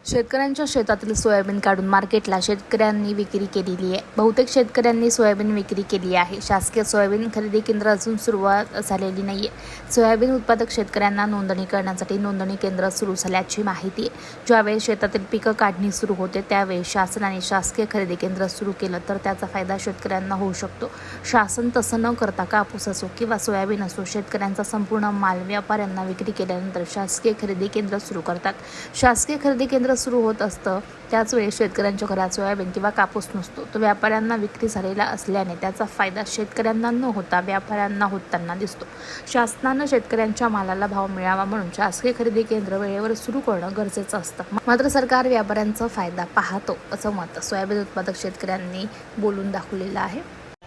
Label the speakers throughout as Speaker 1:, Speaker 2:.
Speaker 1: शेतकऱ्यांच्या शेतातील सोयाबीन काढून मार्केटला शेतकऱ्यांनी विक्री केलेली आहे। बहुतेक शेतकऱ्यांनी सोयाबीन विक्री केली आहे। शासकीय सोयाबीन खरेदी केंद्र अजून सुरुवात झालेली नाहीये। सोयाबीन उत्पादक शेतकऱ्यांना नोंदणी करण्यासाठी नोंदणी केंद्र सुरू झाल्याची माहिती आहे। ज्यावेळी शेतातील पिकं काढणी सुरू होते त्यावेळी शासनाने शासकीय खरेदी केंद्र सुरू केलं तर त्याचा फायदा शेतकऱ्यांना होऊ शकतो। शासन तसं न करता कापूस असो किंवा सोयाबीन असो शेतकऱ्यांचा संपूर्ण माल व्यापाऱ्यांना विक्री केल्यानंतर शासकीय खरेदी केंद्र सुरू करतात। शासकीय खरेदी केंद्र सुरू होत असतं त्याच वेळी शेतकऱ्यांच्या घरात सोयाबीन किंवा कापूस नसतो, तो व्यापाऱ्यांना विक्री झालेला असल्याने त्याचा फायदा शेतकऱ्यांना न होता व्यापाऱ्यांना होताना दिसतो। शासनानं शेतकऱ्यांच्या मालाला भाव मिळावा म्हणून शासकीय खरेदी केंद्र वेळेवर सुरू करणं गरजेचं असतं। मात्र सरकार व्यापाऱ्यांचा फायदा पाहतो असं मत सोयाबीन उत्पादक शेतकऱ्यांनी बोलून दाखवलेलं आहे।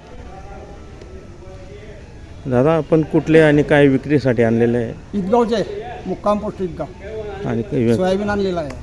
Speaker 2: दादा, आपण कुठले आणि काय विक्रीसाठी आणलेले आहे?
Speaker 3: ईदगावचे मुक्काम पोस्ट ईदगाव
Speaker 2: आणि
Speaker 3: सोयाबीन आणलेलं आहे।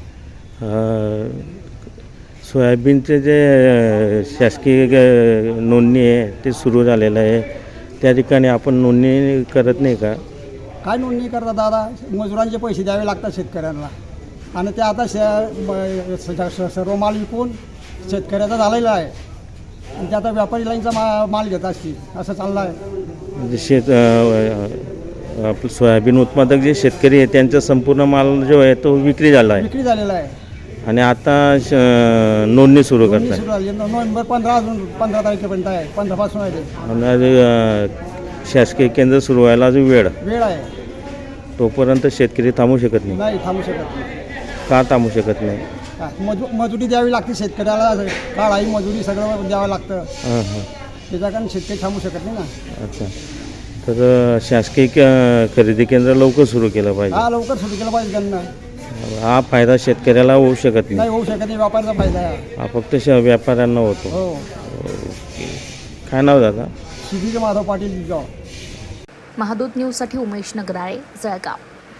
Speaker 2: सोयाबीनचे जे शासकीय नोंदणी आहे ते सुरू झालेलं आहे, त्या ठिकाणी आपण नोंदणी करत नाही का?
Speaker 3: काय नोंदणी करतात दादा? मजुरांचे पैसे द्यावे लागतात शेतकऱ्यांना आणि ते आता सर्व माल विकून शेतकऱ्याचा झालेला आहे आणि ते आता व्यापारी लाईनचा माल घेत असतील असं चाललं आहे।
Speaker 2: म्हणजे आपलं सोयाबीन उत्पादक जे शेतकरी आहे त्यांचा संपूर्ण माल जो आहे तो विक्री झालेला
Speaker 3: आहे
Speaker 2: आणि आता नोंदणी सुरू करतात।
Speaker 3: नोव्हेंबर 15 तारखेपर्यंत आहे, 15 पासून आहे ते।
Speaker 2: आणि शासकीय केंद्र सुरू व्हायला अजून वेळ
Speaker 3: आहे,
Speaker 2: तोपर्यंत शेतकरी थांबू शकत
Speaker 3: नाही थांबू शकत नाही।
Speaker 2: का थांबू शकत नाही?
Speaker 3: मजुरी द्यावी लागते शेतकऱ्याला, काळाही मजुरी सगळं द्यावं लागतं, त्याच्या कारण शेतकरी थांबू शकत नाही ना।
Speaker 2: अच्छा, तर शासकीय खरेदी केंद्र लवकर सुरू केलं पाहिजे।
Speaker 3: हा, लवकर सुरू केलं पाहिजे त्यांना।
Speaker 2: हा फायदा शेतकऱ्याला होऊ शकत
Speaker 3: नाही, होऊ शकत नाही, व्यापाऱ्याचा फायदा आहे
Speaker 2: हा फक्त व्यापाऱ्यांना होतो।
Speaker 3: हो।
Speaker 2: काय नाव दादा?
Speaker 3: शिबीर माधव पाटील ईदगाव।
Speaker 1: महादूत न्यूजसाठी उमेश नगराळे, जळगाव।